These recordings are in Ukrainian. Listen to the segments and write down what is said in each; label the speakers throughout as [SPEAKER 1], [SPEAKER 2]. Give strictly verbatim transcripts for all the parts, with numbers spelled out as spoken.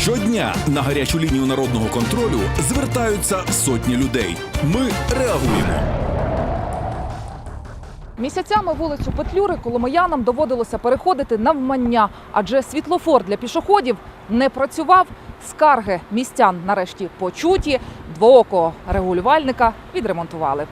[SPEAKER 1] Щодня на гарячу лінію народного контролю звертаються сотні людей. Ми реагуємо.
[SPEAKER 2] Місяцями вулицю Петлюри коломиянам доводилося переходити навмання, адже світлофор для пішоходів не працював. Скарги містян нарешті почуті, двоокого регулювальника відремонтували.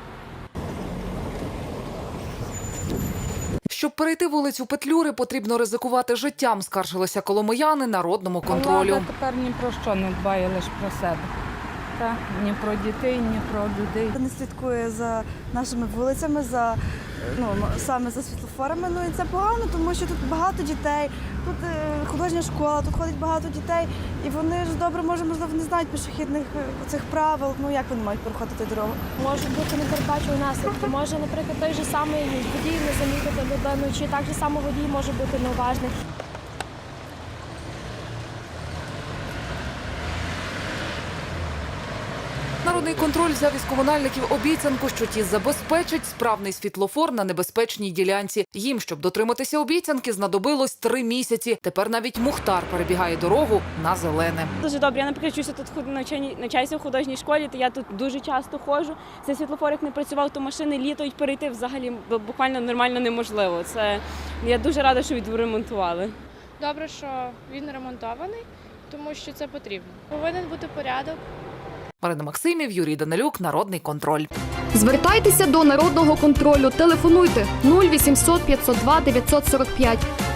[SPEAKER 2] Щоб перейти вулицю Петлюри, потрібно ризикувати життям, скаржилися коломияни народному контролю.
[SPEAKER 3] Влада тепер ні про що не дбає, лише про себе. Та? Ні про дітей, ні про людей.
[SPEAKER 4] Не слідкує за нашими вулицями, за, ну, саме за світлофорами. Ну і це погано, тому що тут багато дітей, тут е, художня школа, тут ходить багато дітей. І вони ж добре, може, можливо, не знають пішохідних е, цих правил. Ну як вони мають переходити дорогу?
[SPEAKER 5] Можуть бути непередбачувані наслідки. Може, наприклад, той же самий водій не замітити людину, чи так же само водій може бути неуважний.
[SPEAKER 2] Народний контроль взяв із комунальників обіцянку, що ті забезпечать справний світлофор на небезпечній ділянці. Їм, щоб дотриматися обіцянки, знадобилось три місяці. Тепер навіть Мухтар перебігає дорогу на зелене.
[SPEAKER 6] Дуже добре. Я, наприклад, вчуся тут навчанні- навчаюся в художній школі, то я тут дуже часто ходжу. Цей світлофор, як не працював, то машини літають, перейти взагалі буквально нормально неможливо. Це я дуже рада, що відремонтували.
[SPEAKER 7] Добре, що він ремонтований, тому що це потрібно. Повинен бути порядок.
[SPEAKER 2] Марина Максимів, Юрій Данилюк, Народний контроль.
[SPEAKER 8] Звертайтеся до Народного контролю. Телефонуйте нуль вісімсот п'ятсот два дев'ятсот сорок п'ять.